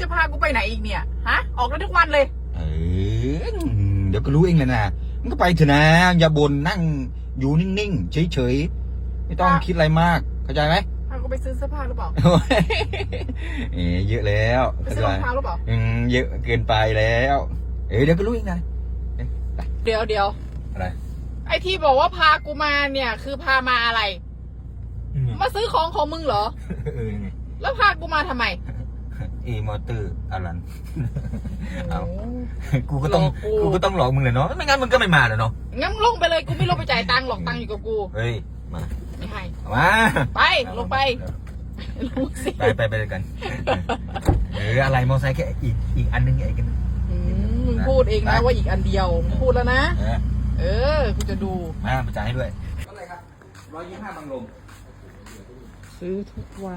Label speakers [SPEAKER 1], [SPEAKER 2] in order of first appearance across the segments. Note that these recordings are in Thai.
[SPEAKER 1] จะพากูไปไหนอีกเนี่ยฮะออกได้ทุกวันเลย
[SPEAKER 2] เดี๋ยวก็รู้เองเลยนะมันก็ไปเถอะนะอย่าบ่นนั่งอยู่นิ่งๆเฉยๆไม่ต้องคิดอะไรมากเข้าใจไหม
[SPEAKER 1] พากูไปซื้อเสื้อผ้าหรือเปล่า
[SPEAKER 2] เยอะแล้ว
[SPEAKER 1] ไปซื้อรองเท้าหรือเปล่า
[SPEAKER 2] เยอะเกินไปแล้วเดี๋ยวก็รู้เองนะ
[SPEAKER 1] เดี๋ยว
[SPEAKER 2] อะไร
[SPEAKER 1] ไอที่บอกว่าพากูมาเนี่ยคือพามาอะไรมาซื้อของมึงเหรอแล้วพากูมาทำไม
[SPEAKER 2] มอเตอร์อลันเอากูก็ต้องหลอกมึงเลยเนาะไม่งั้นมึงก็ไม่มาเลยเนาะ
[SPEAKER 1] งั้นลงไปเลยกูไม่ลงไปจ่ายตังค์หรอกตังค์อยู่กับกู
[SPEAKER 2] เฮ้ยมา
[SPEAKER 1] ไม่ให้
[SPEAKER 2] มา
[SPEAKER 1] ไปลงไปลงสิ
[SPEAKER 2] ไปเลยกันอะไรมอไซค์แค่อีกอันนึงไอ้กัน
[SPEAKER 1] มึงพูดเองนะว่าอีกอันเดียวมึงพูดแล้วนะกูจะดู
[SPEAKER 2] มาจ่ายให้ด้วยอะไรครับ125 บังลม
[SPEAKER 1] ซื้อทุกวัน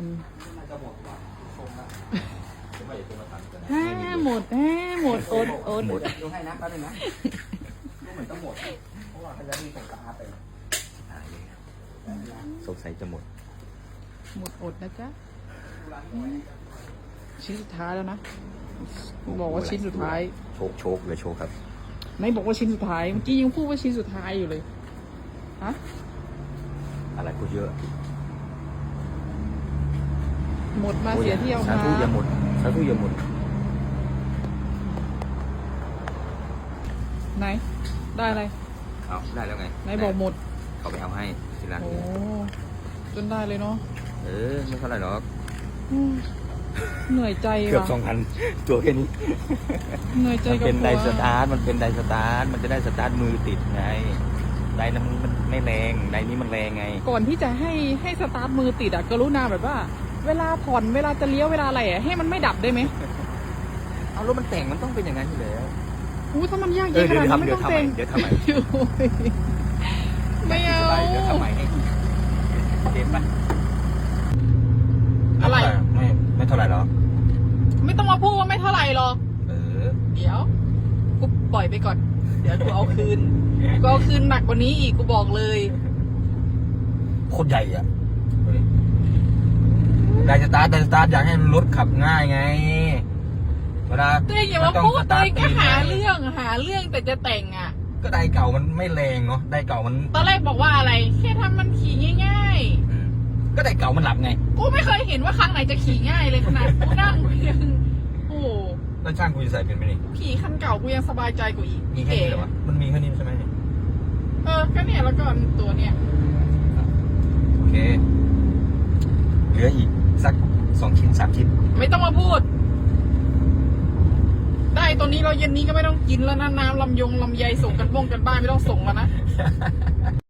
[SPEAKER 1] หมดอด
[SPEAKER 2] ดูให้นะแป๊บนึงนะดูเหมือนต้องหมดเพราะว่าเขาจะมีส่งกระทะไปสงสัยจะหมด
[SPEAKER 1] อดนะจ๊ะชิ้นสุดท้ายแล้วนะบอกว่าชิ้นสุดท้าย
[SPEAKER 2] โชคเลยโชคครับ
[SPEAKER 1] ไม่บอกว่าชิ้นสุดท้ายเมื่อกี้ยังพูดว่าชิ้นสุดท้ายอยู่เลยฮะ
[SPEAKER 2] อะไรพูดเยอะ
[SPEAKER 1] หมดมาเสียที่เอามา
[SPEAKER 2] สาธุอย่าหมด
[SPEAKER 1] ไหนได้อะไร
[SPEAKER 2] เอาได้แล้วไง
[SPEAKER 1] ไหนบอกหมด
[SPEAKER 2] เขาไปเอาให้ทีละ
[SPEAKER 1] โอ้จนได้เลยเนาะ
[SPEAKER 2] ไม่เท่าไหร่หรอก
[SPEAKER 1] เหนื่อยใจ
[SPEAKER 2] เกือบ2,000ตัวแค่นี้
[SPEAKER 1] เหนื่อยใจกับ
[SPEAKER 2] เป็นไดสตาร์ทมันเป็นไดสตาร์ทมันจะได้สตาร์ทมือติดไงไดนั้นมันไม่แรงไดนี้มันแรงไง
[SPEAKER 1] ก่อนที่จะให้สตาร์ทมือติดกรุณาแบบว่าเวลาผ่อนเวลาจะเลี้ยวเวลาอะไรให้มันไม่ดับได้ไหม
[SPEAKER 2] เอารถมันแต่งมันต้องเป็นอย่างนั้นอยู่แล้ว
[SPEAKER 1] ถ้ามันยากเย็นขนาดนั้นไม่ต้องแต่ง
[SPEAKER 2] เดี๋ยวทำไม
[SPEAKER 1] ไม่เอา
[SPEAKER 2] เดี๋ยวทำไมให้เจ็บปะ
[SPEAKER 1] อะไร
[SPEAKER 2] ไม่เท่าไหร่หรอ
[SPEAKER 1] ไม่ต้องมาพูดว่าไม่เท่าไหร่หรอกเดี๋ยวกูปล่อยไปก่อนเดี๋ยวกูเอาคืนหนักกว่านี้อีกกูบอกเลย
[SPEAKER 2] โคตรใหญ่อ่ะไดสตาร์ทอยากให้รถขับง่ายไงเวลา
[SPEAKER 1] ตัวเองอย่ามาพูดตัวเองก็หาเรื่องแต่จะแต่ง
[SPEAKER 2] ก็ไดเก่ามันไม่แรงเนาะไดเก่ามัน
[SPEAKER 1] ตอนแรกบอกว่าอะไรแค่ทำมันขี่ง่าย
[SPEAKER 2] ๆก็ไดเก่ามันหลับไง
[SPEAKER 1] กูไม่เคยเห็นว่าครั้งไหนจะขี่ง่ายเลยขนาดกูนั่งยังโอ้
[SPEAKER 2] แล้วช่างกูจะใส่เป็นไหมนี่
[SPEAKER 1] ขี่คันเก่ากูยังสบายใจกว่าอีก
[SPEAKER 2] มีแค่นี้เหรอวะมันมีแค่นี้ใช่ไหม
[SPEAKER 1] ก็เนี่ยแล้วก็ตัวเนี้ย
[SPEAKER 2] โอเคเหลืออีกสัก2 ชิ้น 3 ชิ้น
[SPEAKER 1] ไม่ต้องมาพูดได้ตัวนี้เราเย็นนี้ก็ไม่ต้องกินแล้วนะน้ำลำไยส่งกันบ้านไม่ต้องส่งแล้วนะ